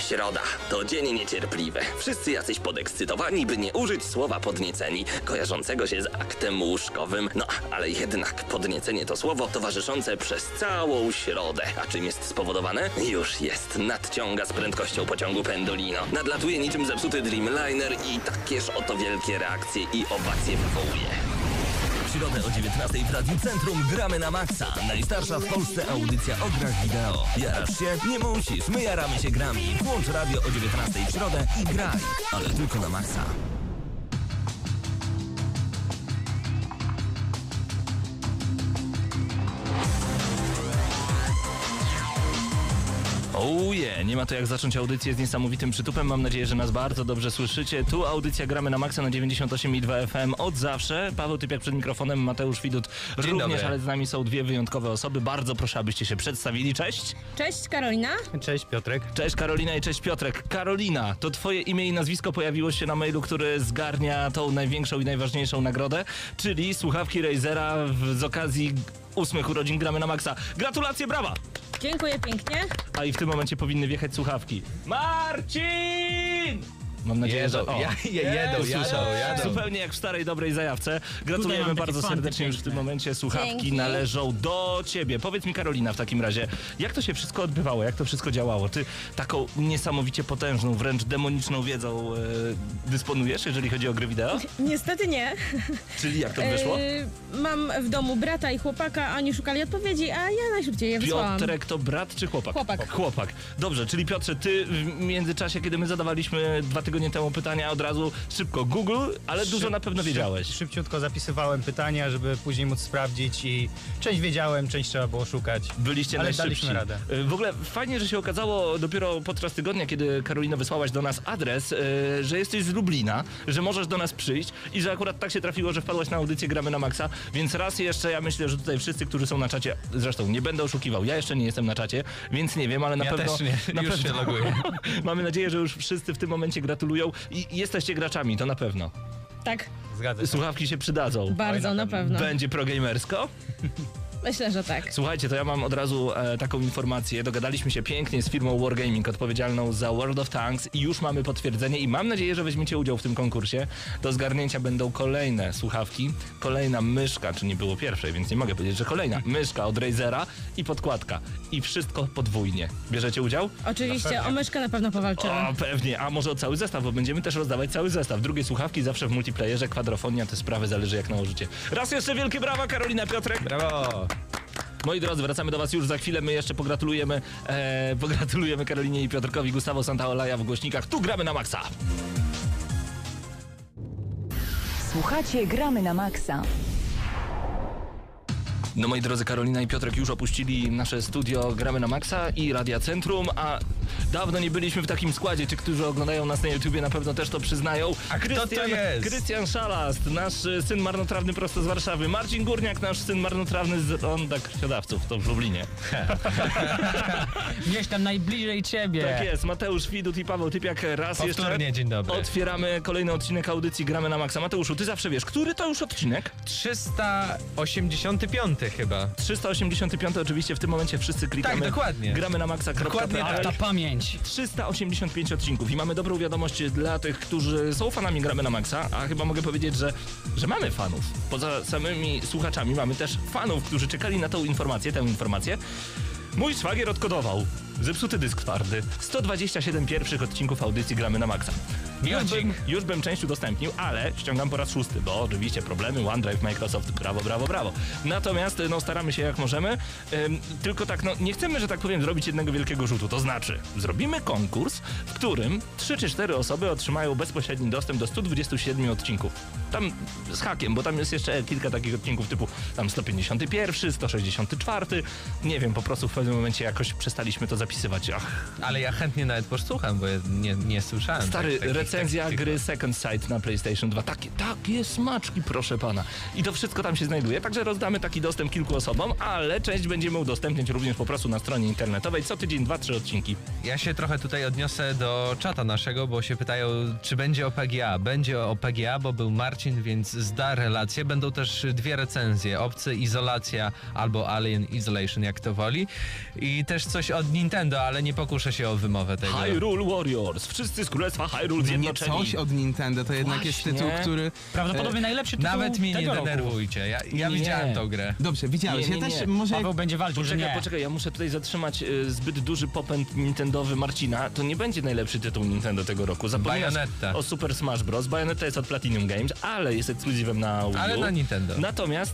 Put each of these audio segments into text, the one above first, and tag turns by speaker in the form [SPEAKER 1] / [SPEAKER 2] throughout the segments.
[SPEAKER 1] Środa to dzień niecierpliwy. Wszyscy jacyś podekscytowani, by nie użyć słowa podnieceni, kojarzącego się z aktem łóżkowym. No, ale jednak podniecenie to słowo towarzyszące przez całą środę. A czym jest spowodowane? Już jest. Nadciąga z prędkością pociągu Pendolino. Nadlatuje niczym zepsuty Dreamliner i takież oto wielkie reakcje i owacje wywołuje.
[SPEAKER 2] W środę o 19:00 w Radiu Centrum gramy na maksa. Najstarsza w Polsce audycja o grach wideo. Jarasz się? Nie musisz. My jaramy się grami. Włącz radio o 19:00 w środę i graj. Ale tylko na maksa. Nie ma to jak zacząć audycję z niesamowitym przytupem. Mam nadzieję, że nas bardzo dobrze słyszycie. Tu audycja Gramy na maksa na 98,2 FM od zawsze. Paweł Typiak przed mikrofonem, Mateusz Widut również, ale z nami są dwie wyjątkowe osoby. Bardzo proszę, abyście się przedstawili. Cześć.
[SPEAKER 3] Cześć Karolina.
[SPEAKER 4] Cześć Piotrek.
[SPEAKER 2] Cześć Karolina i cześć Piotrek. Karolina, to twoje imię i nazwisko pojawiło się na mailu, który zgarnia tą największą i najważniejszą nagrodę, czyli słuchawki Razera z okazji 8 urodzin Gramy na maksa. Gratulacje, brawa!
[SPEAKER 3] Dziękuję pięknie.
[SPEAKER 2] A i w tym momencie powinny wjechać słuchawki. Marcin! Mam nadzieję, że
[SPEAKER 4] Jadą.
[SPEAKER 2] zupełnie jak w starej, dobrej zajawce. Gratulujemy bardzo serdecznie już w tym momencie. Słuchawki
[SPEAKER 3] Dzięki.
[SPEAKER 2] należą do ciebie. Powiedz mi, Karolina, w takim razie, jak to się wszystko odbywało? Jak to wszystko działało? Ty taką niesamowicie potężną, wręcz demoniczną wiedzą dysponujesz, jeżeli chodzi o gry wideo?
[SPEAKER 3] Niestety nie.
[SPEAKER 2] Czyli jak to wyszło?
[SPEAKER 3] Mam w domu brata i chłopaka, a oni szukali odpowiedzi, a ja najszybciej je wysłałam.
[SPEAKER 2] Piotrek to brat czy chłopak?
[SPEAKER 3] Chłopak.
[SPEAKER 2] Dobrze, czyli Piotrze, ty w międzyczasie, kiedy my zadawaliśmy 2 tygodnie temu pytania, od razu szybko Google, ale dużo na pewno wiedziałeś.
[SPEAKER 4] Szybciutko zapisywałem pytania, żeby później móc sprawdzić i część wiedziałem, część trzeba było szukać.
[SPEAKER 2] Byliście
[SPEAKER 4] ale
[SPEAKER 2] najszybsi.
[SPEAKER 4] daliśmy radę.
[SPEAKER 2] W ogóle fajnie, że się okazało dopiero podczas tygodnia, kiedy Karolina wysłałaś do nas adres, że jesteś z Lublina, że możesz do nas przyjść i że akurat tak się trafiło, że wpadłaś na audycję Gramy na maksa, więc raz jeszcze ja myślę, że tutaj wszyscy, którzy są na czacie, zresztą nie będę oszukiwał, ja jeszcze nie jestem na czacie, więc nie wiem, ale na pewno...
[SPEAKER 4] też nie,
[SPEAKER 2] na
[SPEAKER 4] już
[SPEAKER 2] pewno,
[SPEAKER 4] się loguję.
[SPEAKER 2] Mamy nadzieję, że już wszyscy w tym momencie gratulują i jesteście graczami, to na pewno.
[SPEAKER 3] Tak,
[SPEAKER 4] Zgadza się.
[SPEAKER 2] Słuchawki się przydadzą.
[SPEAKER 3] bardzo na pewno.
[SPEAKER 2] Będzie progamersko?
[SPEAKER 3] Myślę, że tak.
[SPEAKER 2] Słuchajcie, to ja mam od razu taką informację. Dogadaliśmy się pięknie z firmą Wargaming, odpowiedzialną za World of Tanks i już mamy potwierdzenie i mam nadzieję, że weźmiecie udział w tym konkursie. Do zgarnięcia będą kolejne słuchawki, kolejna myszka, czy nie było pierwszej, więc nie mogę powiedzieć, że kolejna myszka od Razera i podkładka. I wszystko podwójnie. Bierzecie udział?
[SPEAKER 3] Oczywiście, o myszkę na pewno powalczymy.
[SPEAKER 2] O, pewnie. A może o cały zestaw, bo będziemy też rozdawać cały zestaw. Drugie słuchawki zawsze w multiplayerze, kwadrofonia, te sprawy zależy jak nałożycie. Raz jeszcze wielkie brawa, Karolina, Piotrek.
[SPEAKER 4] Brawo!
[SPEAKER 2] Moi drodzy, wracamy do was już za chwilę. My jeszcze pogratulujemy Karolinie i Piotrkowi. Gustavo Santaolaja w głośnikach. Tu gramy na maksa.
[SPEAKER 5] Słuchacie Gramy na maksa.
[SPEAKER 2] No moi drodzy, Karolina i Piotrek już opuścili nasze studio Gramy na maksa i Radia Centrum, a dawno nie byliśmy w takim składzie. Ci, którzy oglądają nas na YouTubie, na pewno też to przyznają.
[SPEAKER 4] A kto to jest?
[SPEAKER 2] Krystian Szalast, nasz syn marnotrawny prosto z Warszawy. Marcin Górniak, nasz syn marnotrawny z Ronda Krwiodawców, to w Lublinie.
[SPEAKER 6] Gdzieś tam najbliżej ciebie.
[SPEAKER 2] Tak jest, Mateusz Widut i Paweł Typiak. Raz
[SPEAKER 4] Powtórnie,
[SPEAKER 2] jeszcze
[SPEAKER 4] dzień dobry.
[SPEAKER 2] otwieramy kolejny odcinek audycji Gramy na maksa. Mateuszu, ty zawsze wiesz, który to już odcinek?
[SPEAKER 4] 385 chyba.
[SPEAKER 2] 385 oczywiście, w tym momencie wszyscy klikamy.
[SPEAKER 4] Tak, dokładnie.
[SPEAKER 2] Gramy na maksa.
[SPEAKER 4] Dokładnie
[SPEAKER 6] Ale ta pamięć.
[SPEAKER 2] 385 odcinków i mamy dobrą wiadomość dla tych, którzy są fanami Gramy na maksa, a chyba mogę powiedzieć, że mamy fanów. Poza samymi słuchaczami mamy też fanów, którzy czekali na tę informację. Mój szwagier odkodował zepsuty dysk twardy. 127 pierwszych odcinków audycji Gramy na maksa. Już bym część udostępnił, ale ściągam po raz 6, bo oczywiście problemy, OneDrive, Microsoft, brawo. Natomiast staramy się jak możemy, tylko tak, nie chcemy, że tak powiem, zrobić jednego wielkiego rzutu. To znaczy, zrobimy konkurs, w którym 3 czy 4 osoby otrzymają bezpośredni dostęp do 127 odcinków. Tam z hakiem, bo tam jest jeszcze kilka takich odcinków typu tam 151, 164, nie wiem, po prostu w pewnym momencie jakoś przestaliśmy to zapisywać.
[SPEAKER 7] Ale ja chętnie nawet posłucham, bo ja nie słyszałem.
[SPEAKER 2] Stary,
[SPEAKER 7] takich
[SPEAKER 2] recenzja gry Second Sight na PlayStation 2. Takie smaczki, proszę pana. I to wszystko tam się znajduje, także rozdamy taki dostęp kilku osobom, ale część będziemy udostępniać również po prostu na stronie internetowej. Co tydzień 2-3 odcinki.
[SPEAKER 7] Ja się trochę tutaj odniosę do czata naszego, bo się pytają, czy będzie o PGA. Będzie o PGA, bo był Marcin, więc zda relację. Będą też 2 recenzje. Obcy Izolacja albo Alien Isolation, jak to woli. I też coś od Nintendo, ale nie pokuszę się o wymowę tego.
[SPEAKER 2] Hyrule Warriors. Wszyscy z Królestwa Hyrule
[SPEAKER 8] Nie
[SPEAKER 2] zjednoczeni.
[SPEAKER 8] coś od Nintendo, to jednak jest
[SPEAKER 2] Właśnie.
[SPEAKER 8] tytuł, który...
[SPEAKER 6] Prawdopodobnie najlepszy tytuł
[SPEAKER 7] Nawet mnie nie
[SPEAKER 6] tego roku.
[SPEAKER 7] denerwujcie. Ja
[SPEAKER 2] Nie.
[SPEAKER 7] widziałem tą grę.
[SPEAKER 8] Dobrze, widziałeś.
[SPEAKER 2] Nie,
[SPEAKER 8] Ja
[SPEAKER 2] nie,
[SPEAKER 8] też
[SPEAKER 2] nie.
[SPEAKER 8] może...
[SPEAKER 6] Paweł będzie walczył, że nie.
[SPEAKER 2] Poczekaj, ja muszę tutaj zatrzymać zbyt duży popęd nintendowy Marcina. To nie będzie najlepszy tytuł Nintendo tego roku. Zapominasz
[SPEAKER 7] Bayonetta.
[SPEAKER 2] o Super Smash Bros. Bayonetta jest od Platinum Games, ale jest ekskluzywem na Wii U.
[SPEAKER 7] Ale na Nintendo.
[SPEAKER 2] Natomiast,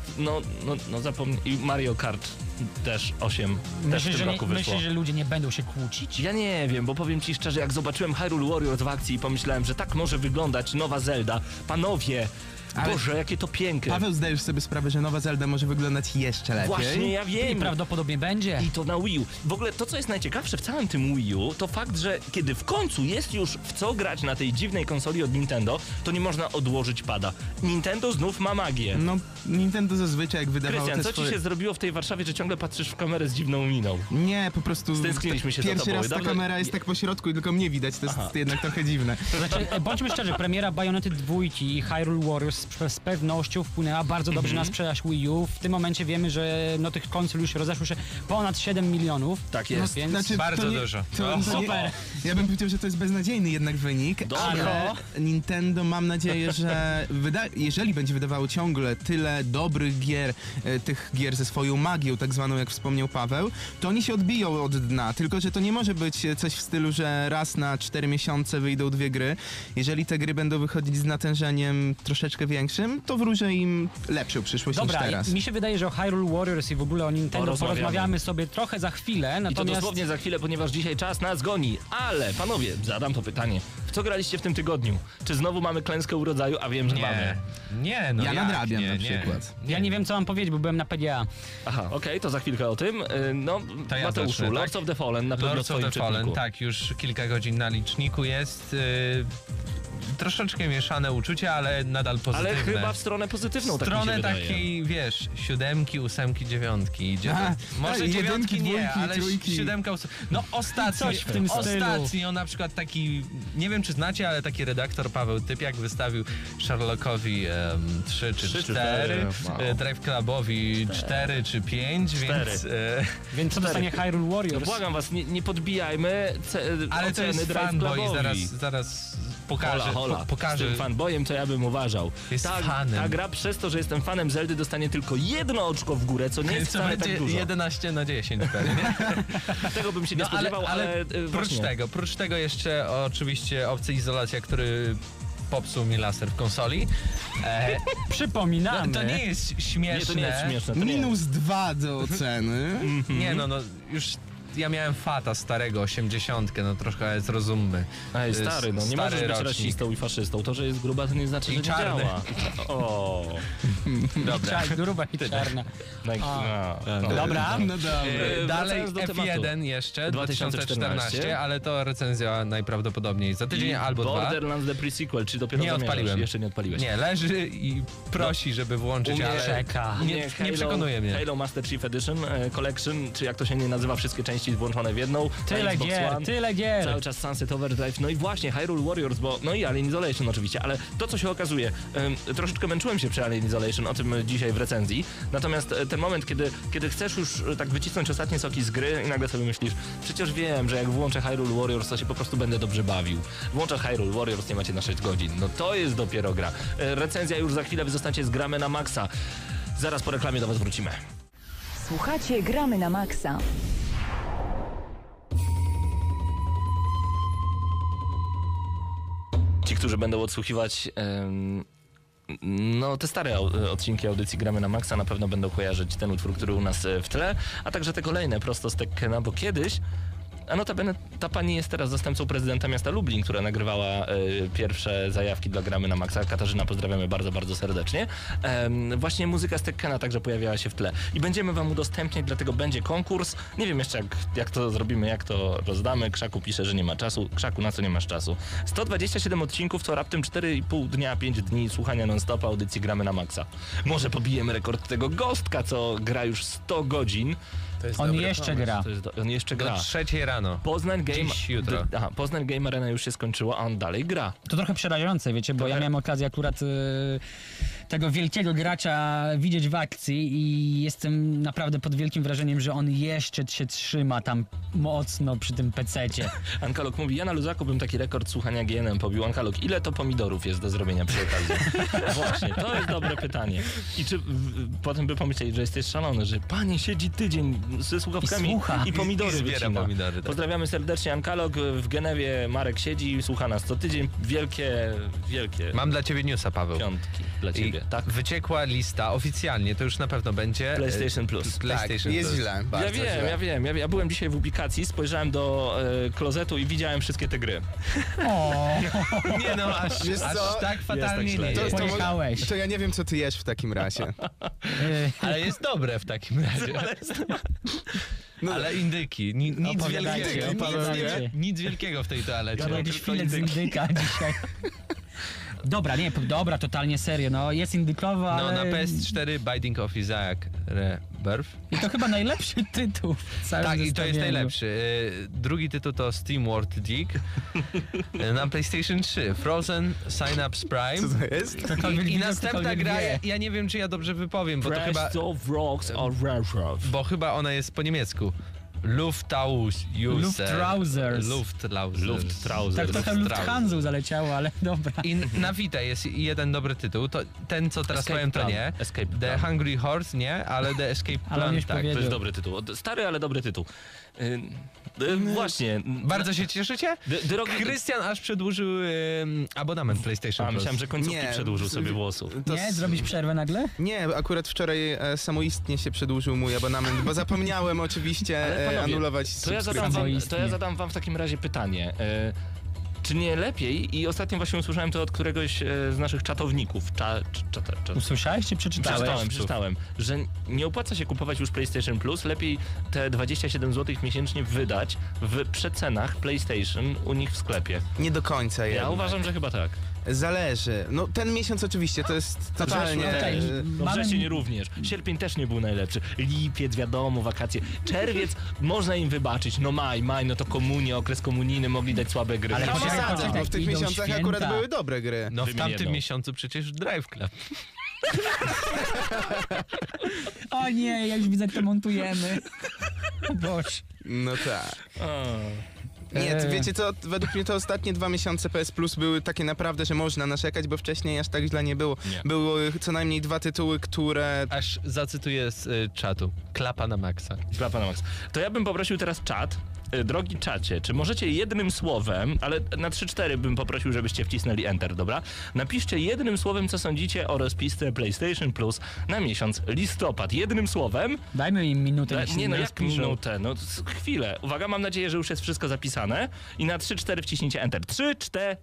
[SPEAKER 2] no zapomnij, i Mario Kart też 8 też w tym roku wyszło.
[SPEAKER 6] Myślisz, że ludzie nie będą się kłócić?
[SPEAKER 2] Ja nie wiem, bo powiem ci szczerze, jak zobaczyłem Hyrule Warriors w akcji i pomyślałem, że tak może wyglądać nowa Zelda. Panowie,
[SPEAKER 8] Ale-
[SPEAKER 2] Boże, jakie to piękne.
[SPEAKER 8] Paweł, zdajesz sobie sprawę, że nowa Zelda może wyglądać jeszcze lepiej?
[SPEAKER 2] Właśnie, ja
[SPEAKER 6] I
[SPEAKER 2] wiem.
[SPEAKER 6] prawdopodobnie będzie.
[SPEAKER 2] I to na Wii U. W ogóle to, co jest najciekawsze w całym tym Wii U, to fakt, że kiedy w końcu jest już w co grać na tej dziwnej konsoli od Nintendo, to nie można odłożyć pada. Nintendo znów ma magię.
[SPEAKER 8] No, Nintendo zazwyczaj jak wydawało
[SPEAKER 2] Krystian,
[SPEAKER 8] te
[SPEAKER 2] co
[SPEAKER 8] swoje...
[SPEAKER 2] ci się zrobiło w tej Warszawie, że ciągle patrzysz w kamerę z dziwną miną?
[SPEAKER 8] Nie, po prostu...
[SPEAKER 2] Stęskniliśmy się za
[SPEAKER 8] Pierwszy
[SPEAKER 2] tobą.
[SPEAKER 8] raz ta
[SPEAKER 2] Dobrze-
[SPEAKER 8] kamera jest tak po środku i tylko mnie widać, to jest jednak trochę dziwne.
[SPEAKER 6] To znaczy, bądźmy szczerzy, premiera Bayonety 2 i Hyrule Warriors z pewnością wpłynęła bardzo dobrze na sprzedaż Wii U. W tym momencie wiemy, że tych konsol już rozeszło się ponad 7 milionów.
[SPEAKER 2] Tak jest.
[SPEAKER 6] Więc
[SPEAKER 7] Bardzo dużo.
[SPEAKER 6] super.
[SPEAKER 8] Ja bym powiedział, że to jest beznadziejny jednak wynik,
[SPEAKER 2] Dobra.
[SPEAKER 8] ale Nintendo, mam nadzieję, że jeżeli będzie wydawało ciągle tyle dobrych gier, tych gier ze swoją magią, tak zwaną, jak wspomniał Paweł, to oni się odbiją od dna, tylko że to nie może być coś w stylu, że raz na 4 miesiące wyjdą 2 gry. Jeżeli te gry będą wychodzić z natężeniem troszeczkę większym, to wróżę im lepszą przyszłość
[SPEAKER 6] Dobra,
[SPEAKER 8] niż teraz.
[SPEAKER 6] mi się wydaje, że o Hyrule Warriors i w ogóle o Nintendo
[SPEAKER 2] Porozmawiamy.
[SPEAKER 6] porozmawiamy sobie trochę za chwilę,
[SPEAKER 2] I to
[SPEAKER 6] natomiast...
[SPEAKER 2] dosłownie za chwilę, ponieważ dzisiaj czas nas goni. Ale, panowie, zadam to pytanie. W co graliście w tym tygodniu? Czy znowu mamy klęskę urodzaju? A wiem, że mamy.
[SPEAKER 7] Nie, no
[SPEAKER 8] Ja
[SPEAKER 7] jak?
[SPEAKER 8] nadrabiam
[SPEAKER 7] nie,
[SPEAKER 8] na
[SPEAKER 7] nie.
[SPEAKER 8] przykład.
[SPEAKER 6] Ja nie wiem, co mam powiedzieć, bo byłem na PGA.
[SPEAKER 2] Aha, okej, to za chwilkę o tym. No,
[SPEAKER 7] To ja
[SPEAKER 2] Mateuszu,
[SPEAKER 7] zacznę, tak?
[SPEAKER 2] Lords of the Fallen na pewno w
[SPEAKER 7] Lords of
[SPEAKER 2] swoim
[SPEAKER 7] the Fallen,
[SPEAKER 2] czytniku.
[SPEAKER 7] tak, już kilka godzin na liczniku jest. Troszeczkę mieszane uczucia, ale nadal pozytywne.
[SPEAKER 2] Ale chyba w stronę pozytywną,
[SPEAKER 7] w
[SPEAKER 2] tak mi się
[SPEAKER 7] stronę
[SPEAKER 2] wydaje.
[SPEAKER 7] takiej, wiesz, 7, 8, 9 idzie.
[SPEAKER 8] Aha,
[SPEAKER 7] Może
[SPEAKER 8] tak,
[SPEAKER 7] 9
[SPEAKER 8] jedynki,
[SPEAKER 7] nie,
[SPEAKER 8] dwójki,
[SPEAKER 7] ale
[SPEAKER 8] trójki.
[SPEAKER 7] 7, 8. No ostatnio,
[SPEAKER 6] Coś w tym stylu.
[SPEAKER 7] ostatnio na przykład taki, nie wiem czy znacie, ale taki redaktor Paweł Typiak wystawił Sherlockowi 3 czy 4,
[SPEAKER 8] wow.
[SPEAKER 7] Drive Clubowi 4 czy 5, więc...
[SPEAKER 6] Więc co dostanie Hyrule
[SPEAKER 2] No,
[SPEAKER 6] Warriors?
[SPEAKER 2] błagam was, nie podbijajmy
[SPEAKER 7] ale to
[SPEAKER 2] oceny
[SPEAKER 7] jest
[SPEAKER 2] Drive
[SPEAKER 7] fanboy,
[SPEAKER 2] Clubowi.
[SPEAKER 7] zaraz pokażę.
[SPEAKER 2] Hola.
[SPEAKER 7] Pokażę.
[SPEAKER 2] Z tym fanboyem, co ja bym uważał.
[SPEAKER 7] Jest fanem.
[SPEAKER 2] Ta gra przez to, że jestem fanem Zeldy, dostanie tylko 1 oczko w górę, co nie jest
[SPEAKER 7] Co
[SPEAKER 2] wcale
[SPEAKER 7] będzie
[SPEAKER 2] tak dużo.
[SPEAKER 7] 11/10 pewnie.
[SPEAKER 2] Tego bym się nie spodziewał, ale
[SPEAKER 7] prócz tego jeszcze oczywiście Obcy Izolacja, który popsuł mi laser w konsoli.
[SPEAKER 6] Przypominamy.
[SPEAKER 7] To nie jest śmieszne.
[SPEAKER 2] Nie, to nie jest śmieszne. To nie jest.
[SPEAKER 8] -2 do oceny.
[SPEAKER 7] Nie, no już ja miałem Fata starego, 80, no trochę zrozummy.
[SPEAKER 2] Ej, stary, no nie możesz być
[SPEAKER 7] rocznik.
[SPEAKER 2] rasistą i faszystą. To, że jest gruba, to nie znaczy,
[SPEAKER 7] I
[SPEAKER 2] że nie
[SPEAKER 7] czarny.
[SPEAKER 2] działa. O,
[SPEAKER 7] Dobra.
[SPEAKER 6] Gruba i czarna. Dobra.
[SPEAKER 8] No dobra.
[SPEAKER 7] Dalej
[SPEAKER 2] wracając do
[SPEAKER 7] F1
[SPEAKER 2] tematu.
[SPEAKER 7] jeszcze,
[SPEAKER 2] 2014,
[SPEAKER 7] 2014, ale to recenzja najprawdopodobniej za tydzień albo 2.
[SPEAKER 2] Borderlands The Pre-Sequel, czy dopiero
[SPEAKER 7] Nie
[SPEAKER 2] zamierzasz?
[SPEAKER 7] odpaliłem.
[SPEAKER 2] Jeszcze nie odpaliłeś.
[SPEAKER 7] Nie, leży i prosi, żeby włączyć,
[SPEAKER 2] U mnie
[SPEAKER 7] ale
[SPEAKER 6] czeka.
[SPEAKER 7] nie przekonuje mnie.
[SPEAKER 2] Halo Master Chief Edition Collection, czy jak to się nie nazywa, wszystkie części włączone w jedną.
[SPEAKER 6] Tyle
[SPEAKER 2] na Xbox
[SPEAKER 6] gier,
[SPEAKER 2] One.
[SPEAKER 6] tyle gier.
[SPEAKER 2] Cały czas Sunset Overdrive, no i właśnie Hyrule Warriors, no i Alien Isolation oczywiście, ale to co się okazuje, troszeczkę męczyłem się przy Alien Isolation, o tym dzisiaj w recenzji, natomiast ten moment, kiedy chcesz już tak wycisnąć ostatnie soki z gry i nagle sobie myślisz, przecież wiem, że jak włączę Hyrule Warriors, to się po prostu będę dobrze bawił. Włączasz Hyrule Warriors, nie macie na 6 godzin, no to jest dopiero gra. Recenzja już za chwilę, wy zostaniecie z Gramy na Maxa. Zaraz po reklamie do was wrócimy.
[SPEAKER 5] Słuchacie Gramy na Maxa.
[SPEAKER 2] Ci, którzy będą odsłuchiwać no te stare odcinki audycji Gramy na Maxa, na pewno będą kojarzyć ten utwór, który u nas w tle, a także te kolejne prosto z Tekkena, bo kiedyś A notabene ta pani jest teraz zastępcą prezydenta miasta Lublin, która nagrywała pierwsze zajawki dla Gramy na Maxa. Katarzyna, pozdrawiamy bardzo, bardzo serdecznie. Właśnie muzyka z Tekkena także pojawiała się w tle. I będziemy wam udostępniać, dlatego będzie konkurs. Nie wiem jeszcze jak to zrobimy, jak to rozdamy. Krzaku pisze, że nie ma czasu. Krzaku, na co nie masz czasu? 127 odcinków to raptem 4,5 dnia, 5 dni słuchania non-stop audycji Gramy na Maxa. Może pobijemy rekord tego Gostka, co gra już 100 godzin.
[SPEAKER 6] On jeszcze gra.
[SPEAKER 2] On jeszcze gra.
[SPEAKER 7] Do 3 rano.
[SPEAKER 2] Poznań Game...
[SPEAKER 7] Dziś, jutro.
[SPEAKER 2] Poznań Game Arena już się skończyła, a on dalej gra.
[SPEAKER 6] To trochę przerażające, wiecie, bo ja miałem okazję akurat tego wielkiego gracza widzieć w akcji i jestem naprawdę pod wielkim wrażeniem, że on jeszcze się trzyma tam mocno przy tym pececie.
[SPEAKER 2] Ankalog mówi, ja na luzaku bym taki rekord słuchania GNM pobił. Ankalog, ile to pomidorów jest do zrobienia przy okazji? Właśnie, to jest dobre pytanie. I czy potem by pomyśleli, że jesteś szalony, że pani siedzi tydzień ze słuchawkami
[SPEAKER 6] I słucha.
[SPEAKER 2] i pomidory
[SPEAKER 7] I zbiera
[SPEAKER 2] wycina.
[SPEAKER 7] pomidory, tak.
[SPEAKER 2] Pozdrawiamy serdecznie Ankalog. W Genewie Marek siedzi i słucha nas co tydzień. Wielkie
[SPEAKER 7] Mam dla ciebie newsa, Paweł.
[SPEAKER 2] piątki dla ciebie. Tak?
[SPEAKER 7] Wyciekła lista oficjalnie, to już na pewno będzie.
[SPEAKER 2] PlayStation Plus.
[SPEAKER 7] PlayStation
[SPEAKER 8] Jest
[SPEAKER 7] Plus.
[SPEAKER 8] źle, bardzo źle.
[SPEAKER 2] Ja wiem. Ja byłem dzisiaj w ubikacji, spojrzałem do klozetu i widziałem wszystkie te gry.
[SPEAKER 7] Nie no,
[SPEAKER 8] Wiesz
[SPEAKER 7] aż
[SPEAKER 8] co?
[SPEAKER 7] tak fatalnie
[SPEAKER 2] źle.
[SPEAKER 7] nie
[SPEAKER 8] To,
[SPEAKER 7] jest.
[SPEAKER 8] to,
[SPEAKER 6] Pojechałeś.
[SPEAKER 8] to ja nie wiem, co ty jesz w takim razie.
[SPEAKER 7] Ale jest dobre w takim razie. Ale indyki, nic
[SPEAKER 6] Opowiadajcie,
[SPEAKER 7] wielkiego.
[SPEAKER 6] opowiadajcie.
[SPEAKER 7] Nic wielkiego w tej toalecie.
[SPEAKER 6] Gadał jakiś
[SPEAKER 7] Tylko
[SPEAKER 6] filet z
[SPEAKER 7] indyki.
[SPEAKER 6] indyka dzisiaj. Dobra, totalnie serio, no jest indykowo,
[SPEAKER 7] No
[SPEAKER 6] ale...
[SPEAKER 7] na PS4 Binding of Isaac Rebirth.
[SPEAKER 6] I to chyba najlepszy tytuł w całym
[SPEAKER 7] Tak, i to jest
[SPEAKER 6] zestawieniu.
[SPEAKER 7] najlepszy. Drugi tytuł to Steam World Dig. Na PlayStation 3 Frozen Synapse Prime.
[SPEAKER 8] Co to jest?
[SPEAKER 6] Ktokolwiek
[SPEAKER 7] I
[SPEAKER 6] widział,
[SPEAKER 7] następna
[SPEAKER 6] ktokolwiek
[SPEAKER 7] gra,
[SPEAKER 6] wie.
[SPEAKER 7] ja nie wiem, czy ja dobrze wypowiem, bo to chyba...
[SPEAKER 2] of Rocks or Railroad.
[SPEAKER 7] Bo chyba ona jest po niemiecku.
[SPEAKER 6] Luftrausers.
[SPEAKER 2] Luftrausers.
[SPEAKER 6] Tak trochę Lufthansa zaleciało, ale dobra.
[SPEAKER 7] I na Vita jest jeden dobry tytuł. To, ten, co teraz
[SPEAKER 2] Escape
[SPEAKER 7] powiem, to
[SPEAKER 2] Plan.
[SPEAKER 7] nie.
[SPEAKER 2] Escape
[SPEAKER 7] The
[SPEAKER 2] Plan.
[SPEAKER 7] Hungry Horse nie, ale The Escape
[SPEAKER 6] Ale on
[SPEAKER 7] Plan
[SPEAKER 6] już
[SPEAKER 7] tak.
[SPEAKER 6] powiedział.
[SPEAKER 2] To jest dobry tytuł. Stary, ale dobry tytuł. Właśnie.
[SPEAKER 7] Bardzo się cieszycie?
[SPEAKER 2] Drogi...
[SPEAKER 7] Krystian aż przedłużył abonament PlayStation
[SPEAKER 2] A,
[SPEAKER 7] Plus.
[SPEAKER 2] myślałem, że końcówki
[SPEAKER 8] Nie.
[SPEAKER 2] przedłużył sobie włosów.
[SPEAKER 8] To
[SPEAKER 6] Nie? Zrobić przerwę nagle?
[SPEAKER 8] Nie, akurat wczoraj samoistnie się przedłużył mój abonament, bo zapomniałem oczywiście
[SPEAKER 2] Ale panowie,
[SPEAKER 8] anulować
[SPEAKER 2] To ja
[SPEAKER 8] subskrypcję.
[SPEAKER 2] zadam wam w takim razie pytanie. Czy nie lepiej, i ostatnio właśnie usłyszałem to od któregoś z naszych czatowników,
[SPEAKER 6] Usłyszałeś czy przeczytałeś?
[SPEAKER 2] przeczytałem, że nie opłaca się kupować już PlayStation Plus, lepiej te 27 zł miesięcznie wydać w przecenach PlayStation u nich w sklepie.
[SPEAKER 8] Nie do końca
[SPEAKER 2] Ja
[SPEAKER 8] jednak.
[SPEAKER 2] uważam, że chyba tak.
[SPEAKER 8] Zależy. No ten miesiąc oczywiście to jest totalnie...
[SPEAKER 6] okej.
[SPEAKER 2] No
[SPEAKER 6] Mamy-
[SPEAKER 2] wrzesień również. Sierpień też nie był najlepszy. Lipiec, wiadomo, wakacje. Czerwiec można im wybaczyć. No maj, no to komunia, okres komunijny, mogli dać słabe gry.
[SPEAKER 6] Ale
[SPEAKER 8] No
[SPEAKER 6] poczekaj,
[SPEAKER 8] sadzę,
[SPEAKER 6] poczekaj,
[SPEAKER 8] bo w tych
[SPEAKER 6] idą
[SPEAKER 8] miesiącach
[SPEAKER 6] święta.
[SPEAKER 8] akurat były dobre gry.
[SPEAKER 7] No w
[SPEAKER 2] Wymień
[SPEAKER 7] tamtym
[SPEAKER 2] jedną.
[SPEAKER 7] miesiącu przecież Drive Club.
[SPEAKER 6] O nie, ja już widzę, jak to montujemy. Boże.
[SPEAKER 8] No tak.
[SPEAKER 2] O.
[SPEAKER 8] Nie, wiecie co, według mnie to ostatnie 2 miesiące PS Plus były takie naprawdę, że można narzekać, bo wcześniej aż tak źle nie było.
[SPEAKER 2] Nie.
[SPEAKER 8] Były co najmniej 2 tytuły, które...
[SPEAKER 7] Aż zacytuję z czatu. Klapa na maksa.
[SPEAKER 2] Klapa na max. To ja bym poprosił teraz czat. Drogi czacie, czy możecie jednym słowem, ale na 3-4 bym poprosił, żebyście wcisnęli Enter, dobra? Napiszcie jednym słowem, co sądzicie o rozpisce PlayStation Plus na miesiąc listopad. Jednym słowem.
[SPEAKER 6] Dajmy im minutę, niech się
[SPEAKER 2] Nie, no jak
[SPEAKER 6] rozpiszą.
[SPEAKER 2] minutę? No chwilę. Uwaga, mam nadzieję, że już jest wszystko zapisane. I na 3-4 wciśnijcie Enter. 3-4.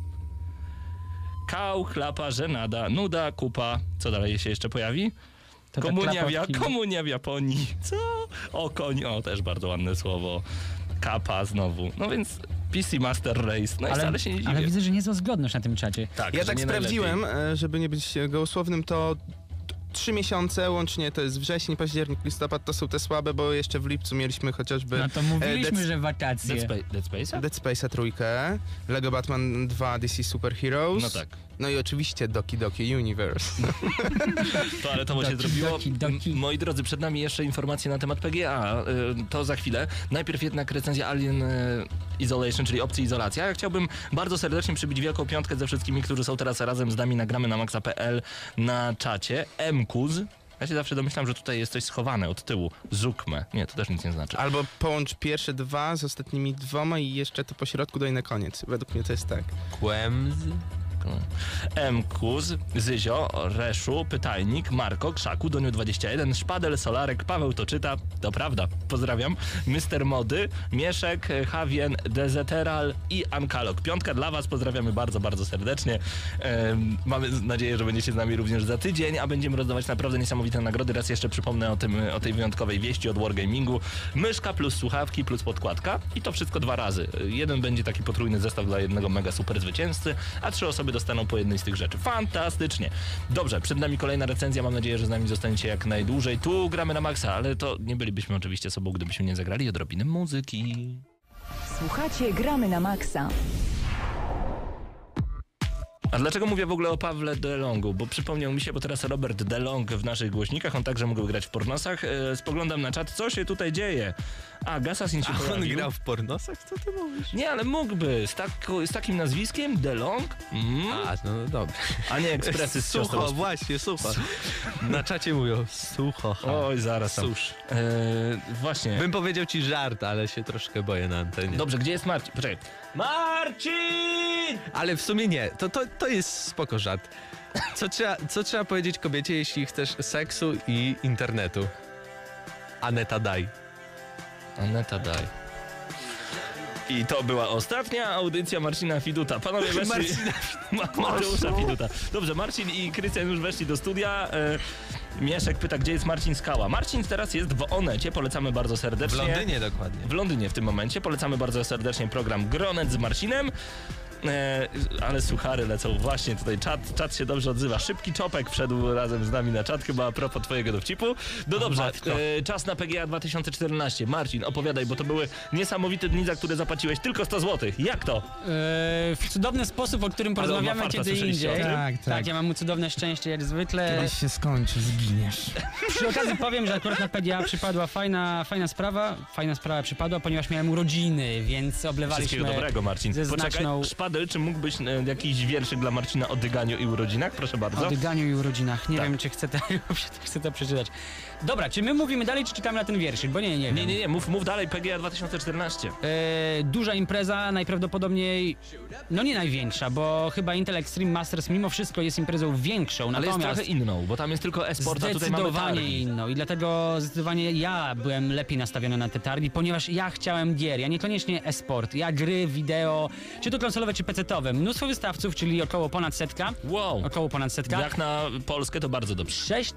[SPEAKER 2] Kał, klapa, żenada, nuda, kupa. Co dalej się jeszcze pojawi?
[SPEAKER 6] To te klapotki.
[SPEAKER 2] Komunia w Japonii. Co? O, koń. O, też bardzo ładne słowo. Kapa znowu. No więc PC Master Race. No i wcale się nie dziwię.
[SPEAKER 6] Ale widzę, że niezła zgodność na tym czacie.
[SPEAKER 2] Tak,
[SPEAKER 8] Ja
[SPEAKER 2] że
[SPEAKER 8] tak
[SPEAKER 2] nie
[SPEAKER 8] sprawdziłem,
[SPEAKER 2] najlepiej.
[SPEAKER 8] żeby nie być gołosłownym, to 3 miesiące, łącznie to jest wrzesień, październik, listopad, to są te słabe, bo jeszcze w lipcu mieliśmy chociażby
[SPEAKER 6] No to mówiliśmy,
[SPEAKER 8] Dead-
[SPEAKER 6] że wakacje.
[SPEAKER 2] Dead Space'a?
[SPEAKER 8] Dead Space'a trójkę, Lego Batman 2 DC Super Heroes,
[SPEAKER 2] No tak.
[SPEAKER 8] no i oczywiście Doki Doki Universe.
[SPEAKER 2] Toaletowo się
[SPEAKER 6] Doki,
[SPEAKER 2] zrobiło.
[SPEAKER 6] doki.
[SPEAKER 2] Moi drodzy, przed nami jeszcze informacje na temat PGA. To za chwilę. Najpierw jednak recenzja Alien Isolation, czyli opcji izolacja. Ja chciałbym bardzo serdecznie przybić wielką piątkę ze wszystkimi, którzy są teraz razem z nami na gramy na maxa.pl na czacie. Mkuz. Ja się zawsze domyślam, że tutaj jest coś schowane od tyłu. Zukme. Nie, to też nic nie znaczy.
[SPEAKER 8] Albo połącz pierwsze 2 z ostatnimi 2 i jeszcze to po środku daj na koniec. Według mnie to jest tak.
[SPEAKER 7] Kłemz.
[SPEAKER 2] Kuz, Zyzio, Reszu, Pytajnik, Marko, Krzaku, Doniu21, Szpadel, Solarek, Paweł to czyta, to prawda, pozdrawiam, Mister Mody, Mieszek, Javien, Dezeteral i Ankalog. 5 dla was, pozdrawiamy bardzo, bardzo serdecznie. Mamy nadzieję, że będziecie z nami również za tydzień, a będziemy rozdawać naprawdę niesamowite nagrody. Raz jeszcze przypomnę o tej wyjątkowej wieści od Wargamingu. Myszka plus słuchawki plus podkładka i to wszystko 2 razy. Jeden będzie taki potrójny zestaw dla jednego mega super zwycięzcy, a 3 osoby dostaną po jednej z tych rzeczy. Fantastycznie. Dobrze, przed nami kolejna recenzja. Mam nadzieję, że z nami zostaniecie jak najdłużej. Tu gramy na maksa, ale to nie bylibyśmy oczywiście sobą, gdybyśmy nie zagrali odrobinę muzyki.
[SPEAKER 5] Słuchacie Gramy na Maxa.
[SPEAKER 2] A dlaczego mówię w ogóle o Pawle DeLongu? Bo przypomniał mi się, bo teraz Robert DeLong w naszych głośnikach, on także mógł grać w pornosach. Spoglądam na czat, co się tutaj dzieje? A, Gasasin się pojawił.
[SPEAKER 7] On grał w pornosach? Co ty mówisz?
[SPEAKER 2] Nie, ale mógłby. Z takim nazwiskiem? DeLong?
[SPEAKER 7] A, no dobrze.
[SPEAKER 2] A nie ekspresy z siostrą.
[SPEAKER 7] Sucho, właśnie, sucho. Na czacie mówią sucho.
[SPEAKER 2] Oj, zaraz tam.
[SPEAKER 7] Susz.
[SPEAKER 2] Właśnie.
[SPEAKER 7] Bym powiedział ci żart, ale się troszkę boję na antenie.
[SPEAKER 2] Dobrze, gdzie jest Marcin? Poczekaj. Marcin!
[SPEAKER 7] Ale w sumie nie, to jest spoko żart. Co trzeba powiedzieć kobiecie, jeśli chcesz seksu i internetu? Aneta daj.
[SPEAKER 2] Aneta daj. I to była ostatnia audycja Marcina Fiduta. Panowie weszli... Mateusza Fiduta. Dobrze, Marcin i Krystian już weszli do studia. Mieszek pyta, gdzie jest Marcin Skała. Marcin teraz jest w Onecie, polecamy bardzo serdecznie.
[SPEAKER 7] W Londynie dokładnie.
[SPEAKER 2] W Londynie w tym momencie. Polecamy bardzo serdecznie program Gronet z Marcinem. Ale suchary lecą. Właśnie tutaj czat się dobrze odzywa. Szybki Czopek wszedł razem z nami na czat, chyba a propos twojego dowcipu. No dobrze, czas na PGA 2014. Marcin, opowiadaj, bo to były niesamowite dni, za które zapłaciłeś tylko 100 zł. Jak to?
[SPEAKER 6] W cudowny sposób, o którym
[SPEAKER 2] Ale on ma
[SPEAKER 6] porozmawiamy
[SPEAKER 2] farta,
[SPEAKER 6] kiedy
[SPEAKER 2] słyszeliście o
[SPEAKER 6] indziej.
[SPEAKER 2] tym?
[SPEAKER 8] Tak.
[SPEAKER 6] Ja mam cudowne szczęście jak zwykle.
[SPEAKER 8] Kiedyś się skończy, zginiesz.
[SPEAKER 6] Przy okazji powiem, że akurat na PGA przypadła fajna sprawa. Fajna sprawa przypadła, ponieważ miałem urodziny, więc oblewaliśmy
[SPEAKER 2] Wszystkiego dobrego, Marcin.
[SPEAKER 6] ze
[SPEAKER 2] Poczekaj,
[SPEAKER 6] znaczną...
[SPEAKER 2] Szpadel, czy mógłbyś jakiś wierszyk dla Marcina o dyganiu i urodzinach? Proszę bardzo.
[SPEAKER 6] O dyganiu i urodzinach. Nie
[SPEAKER 2] Tak.
[SPEAKER 6] wiem, czy chcę to przeczytać. Dobra, czy my mówimy dalej, czy czekamy na ten wierszyk? Bo nie wiem.
[SPEAKER 2] Nie, mów dalej, PGA 2014.
[SPEAKER 6] Duża impreza, najprawdopodobniej, no nie największa, bo chyba Intel Extreme Masters mimo wszystko jest imprezą większą,
[SPEAKER 2] Ale jest
[SPEAKER 6] natomiast
[SPEAKER 2] trochę inną, bo tam jest tylko e-sport, a tutaj mamy
[SPEAKER 6] zdecydowanie
[SPEAKER 2] targi.
[SPEAKER 6] inną i dlatego zdecydowanie ja byłem lepiej nastawiony na te targi, ponieważ ja chciałem gier, ja niekoniecznie e-sport, ja gry, wideo, czy to konsolowe, czy pecetowe. Mnóstwo wystawców, czyli około ponad setka.
[SPEAKER 2] Wow.
[SPEAKER 6] Około ponad setka.
[SPEAKER 2] Jak na Polskę to bardzo dobrze.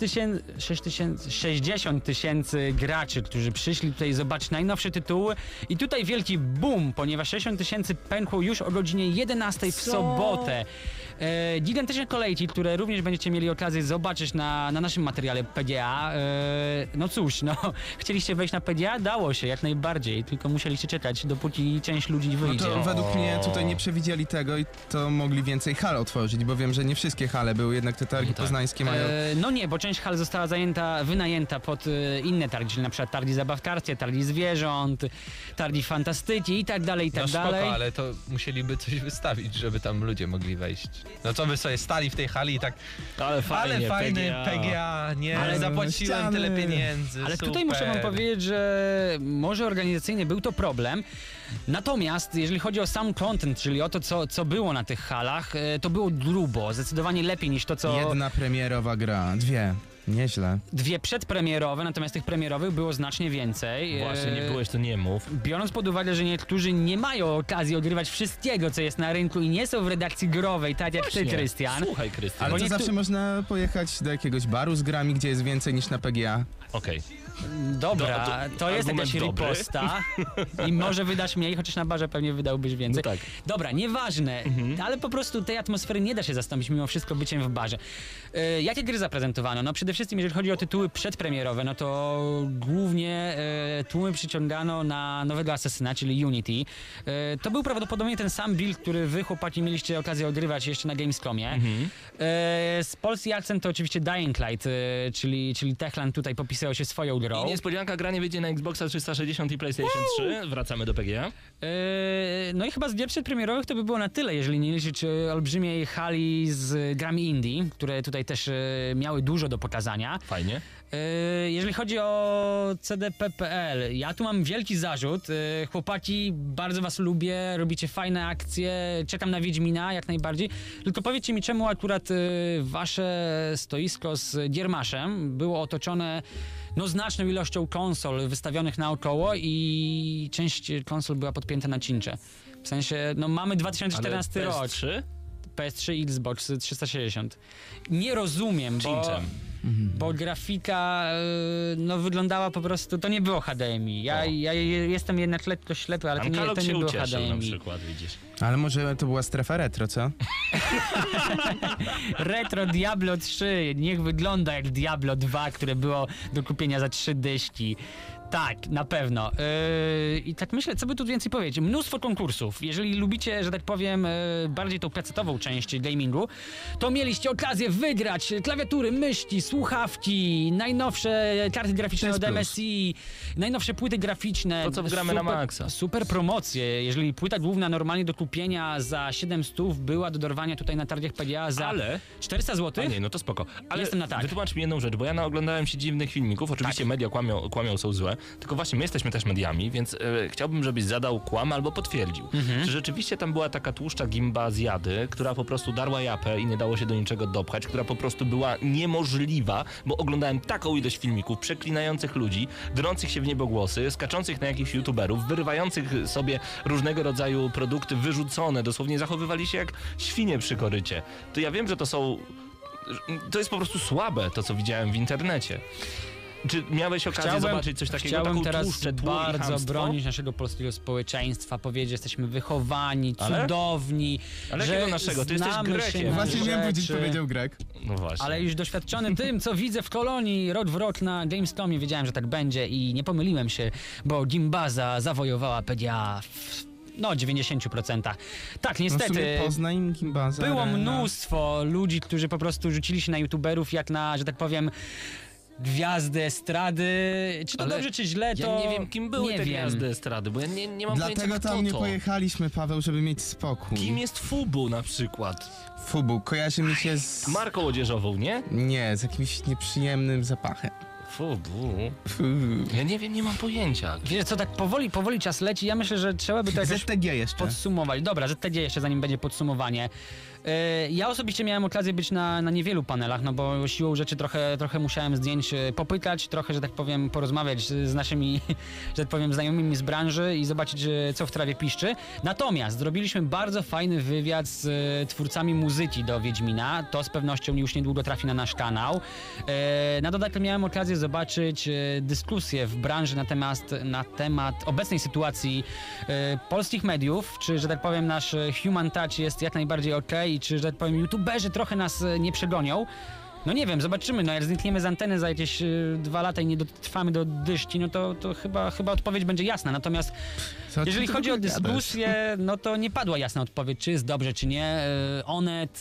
[SPEAKER 6] 60 tysięcy graczy, którzy przyszli tutaj zobaczyć najnowsze tytuły i tutaj wielki boom, ponieważ 60 tysięcy pękło już o godzinie 11 w sobotę. Gigantyczne kolejki, które również będziecie mieli okazję zobaczyć na naszym materiale PGA. No cóż, chcieliście wejść na PGA? Dało się, jak najbardziej, tylko musieliście czekać, dopóki część ludzi
[SPEAKER 8] No
[SPEAKER 6] wyjdzie.
[SPEAKER 8] to według mnie tutaj nie przewidzieli tego i to mogli więcej hal otworzyć, bo wiem, że nie wszystkie hale były, jednak te targi poznańskie mają...
[SPEAKER 6] No nie, bo część hal została wynajęta pod inne targi, czyli na przykład targi zabawkarskie, targi zwierząt, targi fantastyki i tak dalej, i tak
[SPEAKER 7] No
[SPEAKER 6] dalej.
[SPEAKER 7] spoko, ale to musieliby coś wystawić, żeby tam ludzie mogli wejść. No co wy sobie stali w tej hali i tak...
[SPEAKER 2] Ale fajnie,
[SPEAKER 7] Ale fajny
[SPEAKER 2] PGA.
[SPEAKER 7] PGA, nie,
[SPEAKER 6] Ale
[SPEAKER 7] zapłaciłem
[SPEAKER 8] ściany.
[SPEAKER 7] tyle pieniędzy,
[SPEAKER 6] Ale
[SPEAKER 7] super.
[SPEAKER 6] tutaj muszę wam powiedzieć, że może organizacyjnie był to problem, natomiast jeżeli chodzi o sam content, czyli o to, co było na tych halach, to było grubo, zdecydowanie lepiej niż to, co...
[SPEAKER 8] Jedna premierowa gra, 2. Nieźle.
[SPEAKER 6] 2 przedpremierowe, natomiast tych premierowych było znacznie więcej.
[SPEAKER 2] Właśnie, nie byłeś, to nie mów.
[SPEAKER 6] Biorąc pod uwagę, że niektórzy nie mają okazji ogrywać wszystkiego, co jest na rynku i nie są w redakcji growej, tak jak ty, Krystian.
[SPEAKER 2] Słuchaj, Krystian.
[SPEAKER 8] Ale to
[SPEAKER 6] nie
[SPEAKER 8] zawsze można pojechać do jakiegoś baru z grami, gdzie jest więcej niż na PGA.
[SPEAKER 2] Okej.
[SPEAKER 6] Dobra, to jest
[SPEAKER 2] argument
[SPEAKER 6] jakaś
[SPEAKER 2] dobry.
[SPEAKER 6] riposta i może wydasz mniej, chociaż na barze pewnie wydałbyś więcej.
[SPEAKER 2] No tak.
[SPEAKER 6] Dobra, nieważne, ale po prostu tej atmosfery nie da się zastąpić mimo wszystko byciem w barze. Jakie gry zaprezentowano? No przede wszystkim jeżeli chodzi o tytuły przedpremierowe, no to głównie tłumy przyciągano na nowego Asesyna, czyli Unity. To był prawdopodobnie ten sam build, który wy chłopaki mieliście okazję odgrywać jeszcze na Gamescomie. Z polski akcent to oczywiście Dying Light, czyli Techland tutaj popisał się swoją grą.
[SPEAKER 2] I niespodzianka, granie wyjdzie na Xboxa 360 i PlayStation 3. Wracamy do PGA.
[SPEAKER 6] No i chyba z gier przedpremierowych to by było na tyle, jeżeli nie liczyć olbrzymiej hali z grami indie, które tutaj też miały dużo do pokazania.
[SPEAKER 2] Fajnie.
[SPEAKER 6] Jeżeli chodzi o CDP.pl, ja tu mam wielki zarzut. Chłopaki, bardzo was lubię, robicie fajne akcje, czekam na Wiedźmina jak najbardziej. Tylko powiedzcie mi, czemu akurat wasze stoisko z Giermaszem było otoczone znaczną ilością konsol wystawionych naokoło i część konsol była podpięta na cincze. W sensie, mamy 2014 rok. PS3 i Xbox 360. Nie rozumiem, bo grafika wyglądała po prostu, to nie było HDMI. Ja jestem jednak lekko ślepy, ale to nie było HDMI.
[SPEAKER 2] Na przykład, widzisz.
[SPEAKER 8] Ale może to była strefa retro, co?
[SPEAKER 6] Retro Diablo 3, niech wygląda jak Diablo 2, które było do kupienia za 3 dyszki. Tak, na pewno. I tak myślę, co by tu więcej powiedzieć. Mnóstwo konkursów. Jeżeli lubicie, że tak powiem, bardziej tą pecetową część gamingu, to mieliście okazję wygrać klawiatury, myszki, słuchawki, najnowsze karty graficzne od MSI, najnowsze płyty graficzne.
[SPEAKER 2] To, co wgramy na maksa.
[SPEAKER 6] Super promocje. Jeżeli płyta główna normalnie do kupienia za 700 była do dorwania tutaj na targach PGA za 400 zł.
[SPEAKER 2] A nie, no to spoko. Ale
[SPEAKER 6] jestem na tak.
[SPEAKER 2] Wytłumacz mi jedną rzecz, bo ja naoglądałem się dziwnych filmików. Oczywiście media kłamią, są złe. Tylko właśnie my jesteśmy też mediami, więc chciałbym, żebyś zadał kłam albo potwierdził. Czy rzeczywiście tam była taka tłuszcza gimba z Jady, która po prostu darła japę i nie dało się do niczego dopchać, która po prostu była niemożliwa, bo oglądałem taką ilość filmików przeklinających ludzi, drących się w niebogłosy, skaczących na jakichś youtuberów, wyrywających sobie różnego rodzaju produkty wyrzucone, dosłownie zachowywali się jak świnie przy korycie. To ja wiem, że to jest po prostu słabe, to co widziałem w internecie. Czy miałeś okazję zobaczyć coś takiego?
[SPEAKER 6] Chciałbym
[SPEAKER 2] taką
[SPEAKER 6] teraz
[SPEAKER 2] tłuszczę,
[SPEAKER 6] bardzo bronić naszego polskiego społeczeństwa, powiedzieć, że jesteśmy wychowani, cudowni.
[SPEAKER 2] Ale jakiego naszego? Ty jesteś Grekiem.
[SPEAKER 8] Właśnie miałem powiedzieć, powiedział Grek.
[SPEAKER 2] No właśnie.
[SPEAKER 6] Ale już doświadczony tym, co widzę w Kolonii rok w rok na Gamescomie, wiedziałem, że tak będzie i nie pomyliłem się, bo Gimbaza zawojowała PGA w 90%. Tak, niestety.
[SPEAKER 8] W sumie Poznań, Gimbaza,
[SPEAKER 6] było mnóstwo ludzi, którzy po prostu rzucili się na youtuberów jak na, że tak powiem, gwiazdy estrady. Czy to dobrze, czy źle, to
[SPEAKER 2] ja nie wiem, kim były te gwiazdy estrady, bo ja nie mam pojęcia,
[SPEAKER 8] Dlatego
[SPEAKER 2] kto
[SPEAKER 8] tam nie
[SPEAKER 2] to.
[SPEAKER 8] pojechaliśmy, Paweł, żeby mieć spokój.
[SPEAKER 2] Kim jest Fubu na przykład?
[SPEAKER 8] Fubu kojarzy mi się z...
[SPEAKER 2] Marką odzieżową, nie?
[SPEAKER 8] Nie, z jakimś nieprzyjemnym zapachem.
[SPEAKER 2] Fubu? Ja nie wiem, nie mam pojęcia.
[SPEAKER 6] Wiesz co, tak powoli czas leci. Ja myślę, że trzeba by to jakoś
[SPEAKER 8] ZTG jeszcze.
[SPEAKER 6] podsumować. Dobra, ZTG jeszcze, zanim będzie podsumowanie. Ja osobiście miałem okazję być na niewielu panelach, no bo siłą rzeczy trochę musiałem zdjęć popytać, trochę, że tak powiem, porozmawiać z naszymi, że tak powiem, znajomymi z branży i zobaczyć, co w trawie piszczy. Natomiast zrobiliśmy bardzo fajny wywiad z twórcami muzyki do Wiedźmina. To z pewnością już niedługo trafi na nasz kanał. Na dodatek miałem okazję zobaczyć dyskusję w branży na temat obecnej sytuacji polskich mediów, czy, że tak powiem, nasz human touch jest jak najbardziej okej, czy, że tak powiem, youtuberzy trochę nas nie przegonią. No nie wiem, zobaczymy, no jak znikniemy z anteny za jakieś 2 lata i nie dotrwamy do dyszki, no to chyba odpowiedź będzie jasna. Natomiast jeżeli chodzi o dyskusję, no to nie padła jasna odpowiedź, czy jest dobrze, czy nie. Onet,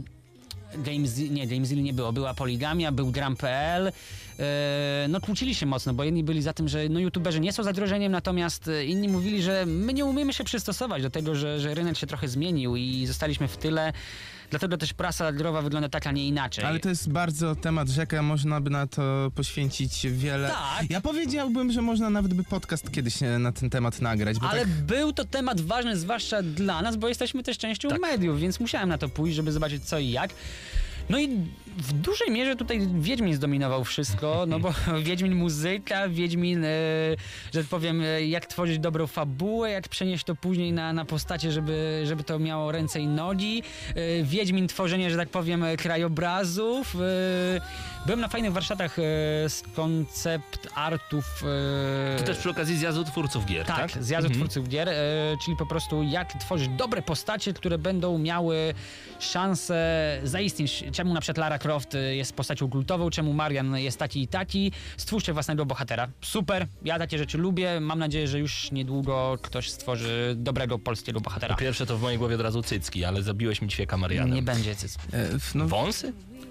[SPEAKER 6] Gamezilla nie było, była Poligamia, był Gram.pl. No kłócili się mocno, bo jedni byli za tym, że youtuberzy nie są zagrożeniem, natomiast inni mówili, że my nie umiemy się przystosować do tego, że rynek się trochę zmienił i zostaliśmy w tyle. Dlatego też prasa growa wygląda tak, a nie inaczej.
[SPEAKER 8] Ale to jest bardzo temat rzeka, można by na to poświęcić wiele.
[SPEAKER 6] Tak.
[SPEAKER 8] Ja powiedziałbym, że można nawet by podcast kiedyś na ten temat nagrać. Bo
[SPEAKER 6] ale
[SPEAKER 8] tak...
[SPEAKER 6] był to temat ważny, zwłaszcza dla nas, bo jesteśmy też częścią mediów, więc musiałem na to pójść, żeby zobaczyć co i jak. No i w dużej mierze tutaj Wiedźmin zdominował wszystko, no bo Wiedźmin muzyka, Wiedźmin, że tak powiem, jak tworzyć dobrą fabułę, jak przenieść to później na postacie, żeby to miało ręce i nogi. Wiedźmin tworzenie, że tak powiem, krajobrazów. Byłem na fajnych warsztatach z koncept artów.
[SPEAKER 2] To też przy okazji zjazdu twórców gier, tak?
[SPEAKER 6] Tak, zjazdu twórców gier, czyli po prostu jak tworzyć dobre postacie, które będą miały szansę zaistnieć. Czemu na przykład Lara Croft jest postacią kultową, czemu Marian jest taki i taki. Stwórzcie własnego bohatera. Super, ja takie rzeczy lubię. Mam nadzieję, że już niedługo ktoś stworzy dobrego polskiego bohatera.
[SPEAKER 2] Po pierwsze to w mojej głowie od razu cycki, ale zabiłeś mi ćwieka Marianem.
[SPEAKER 6] Nie będzie cycki.
[SPEAKER 2] Wąsy?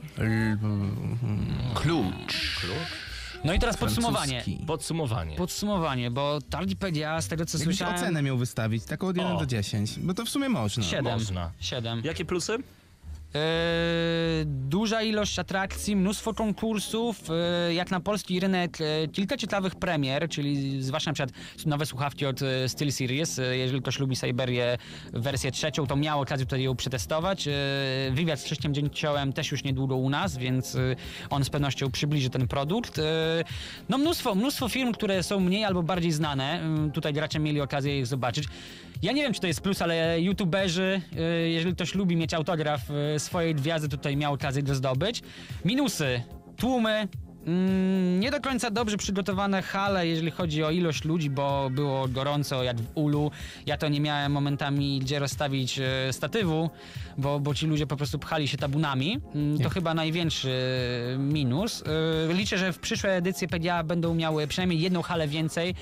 [SPEAKER 8] Klucz.
[SPEAKER 6] No i teraz
[SPEAKER 8] Francuski.
[SPEAKER 6] Podsumowanie, bo targi PGA, z tego co
[SPEAKER 8] Jakbyś
[SPEAKER 6] słyszałem...
[SPEAKER 8] ocenę miał wystawić, taką od 1 do 10, bo to w sumie można.
[SPEAKER 6] 7.
[SPEAKER 2] Można.
[SPEAKER 6] 7.
[SPEAKER 2] Jakie plusy?
[SPEAKER 6] Duża ilość atrakcji, mnóstwo konkursów, jak na polski rynek kilka ciekawych premier, czyli zwłaszcza na przykład nowe słuchawki od SteelSeries. Jeżeli ktoś lubi Syberię wersję 3, to miał okazję tutaj ją przetestować. Wywiad z Krzyśkiem Dzięciołem też już niedługo u nas, więc on z pewnością przybliży ten produkt. No mnóstwo firm, które są mniej albo bardziej znane. Tutaj gracze mieli okazję ich zobaczyć. Ja nie wiem, czy to jest plus, ale youtuberzy, jeżeli ktoś lubi mieć autograf swojej gwiazdy, tutaj miał okazję go zdobyć. Minusy, tłumy, nie do końca dobrze przygotowane hale, jeżeli chodzi o ilość ludzi, bo było gorąco jak w ulu. Ja to nie miałem momentami gdzie rozstawić statywu, bo ci ludzie po prostu pchali się tabunami. To chyba największy minus. Liczę, że w przyszłe edycje PGA będą miały przynajmniej jedną halę więcej.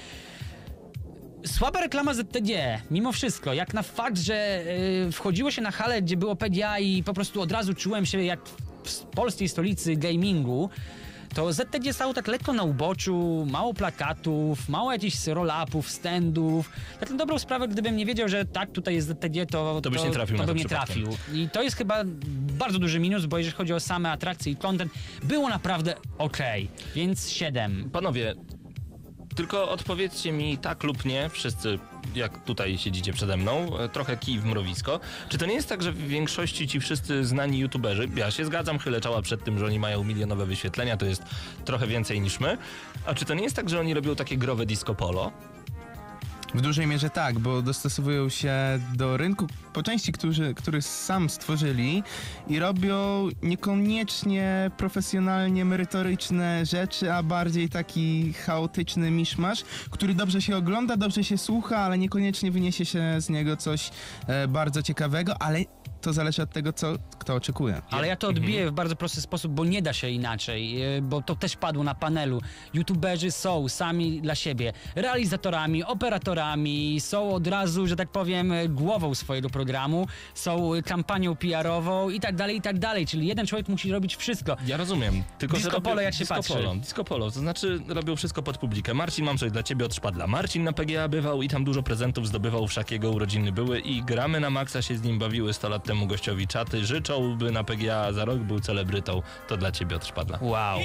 [SPEAKER 6] Słaba reklama ZTG, mimo wszystko, jak na fakt, że wchodziło się na halę, gdzie było PGA i po prostu od razu czułem się jak w polskiej stolicy gamingu, to ZTG stało tak lekko na uboczu, mało plakatów, mało jakichś roll-upów, standów. Na tę dobrą sprawę, gdybym nie wiedział, że tak, tutaj jest ZTG, to
[SPEAKER 2] byś nie trafił na to
[SPEAKER 6] bym nie
[SPEAKER 2] przypadkiem.
[SPEAKER 6] trafił. I to jest chyba bardzo duży minus, bo jeżeli chodzi o same atrakcje i content, było naprawdę okej. Więc 7.
[SPEAKER 2] Panowie, tylko odpowiedzcie mi tak lub nie, wszyscy jak tutaj siedzicie przede mną, trochę kij w mrowisko. Czy to nie jest tak, że w większości ci wszyscy znani youtuberzy, ja się zgadzam, chylę czoła przed tym, że oni mają milionowe wyświetlenia, to jest trochę więcej niż my, a czy to nie jest tak, że oni robią takie growe disco polo?
[SPEAKER 8] W dużej mierze tak, bo dostosowują się do rynku po części, który sam stworzyli i robią niekoniecznie profesjonalnie merytoryczne rzeczy, a bardziej taki chaotyczny miszmasz, który dobrze się ogląda, dobrze się słucha, ale niekoniecznie wyniesie się z niego coś bardzo ciekawego, ale to zależy od tego, co kto oczekuje.
[SPEAKER 6] Ale ja to odbiję w bardzo prosty sposób, bo nie da się inaczej, bo to też padło na panelu. YouTuberzy są sami dla siebie realizatorami, operatorami, są od razu, że tak powiem, głową swojego programu, są kampanią PR-ową i tak dalej, czyli jeden człowiek musi robić wszystko.
[SPEAKER 2] Ja rozumiem, tylko
[SPEAKER 6] Disco
[SPEAKER 2] że
[SPEAKER 6] polo, jak się patrzy.
[SPEAKER 2] Disco polo, to znaczy robią wszystko pod publikę. Marcin, mam coś dla ciebie od szpadla. Marcin na PGA bywał i tam dużo prezentów zdobywał, wszak jego urodziny były i gramy na maksa się z nim bawiły 100 lat temu gościowi czaty. Życzą, by na PGA za rok był celebrytą. To dla ciebie od szpadla.
[SPEAKER 6] Wow.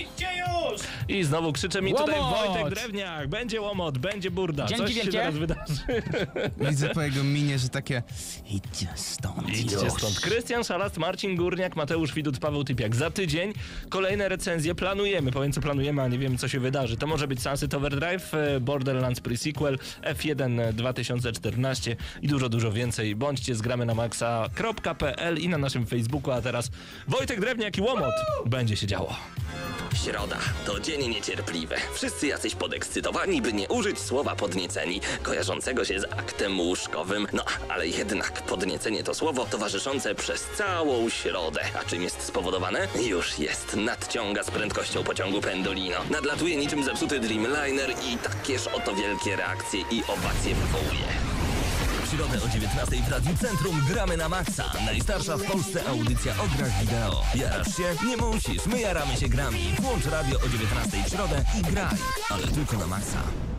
[SPEAKER 2] I znowu krzycze mi tutaj
[SPEAKER 6] Łomot!
[SPEAKER 2] Wojtek Drewniak. Będzie łomot, będzie burda.
[SPEAKER 6] Dzięki
[SPEAKER 2] Coś się
[SPEAKER 6] wielkie.
[SPEAKER 2] zaraz wydarzy.
[SPEAKER 8] Widzę po jego minie, że takie idźcie stąd
[SPEAKER 2] Idźcie
[SPEAKER 8] już.
[SPEAKER 2] stąd. Krystian Szalast, Marcin Górniak, Mateusz Widut, Paweł Typiak. Za tydzień kolejne recenzje planujemy. Powiem, co planujemy, a nie wiemy, co się wydarzy. To może być Sunset Overdrive, Borderlands Pre-Sequel, F1 2014 i dużo więcej. Bądźcie z gramy na maxa.pl i na naszym Facebooku, a teraz Wojtek Drewniak i łomot. Będzie się działo.
[SPEAKER 1] Środa to dzień niecierpliwy. Wszyscy jacyś podekscytowani, by nie użyć słowa podnieceni, kojarzącego się z aktem łóżkowym. No, ale jednak podniecenie to słowo towarzyszące przez całą środę. A czym jest spowodowane? Już jest. Nadciąga z prędkością pociągu Pendolino. Nadlatuje niczym zepsuty Dreamliner i takież oto wielkie reakcje i owacje wywołuje. W środę o 19:00 w Radiu Centrum gramy na maksa. Najstarsza w Polsce audycja o grach wideo. Jarasz się? Nie musisz. My jaramy się grami. Włącz radio o 19:00 w środę i graj. Ale tylko na maksa.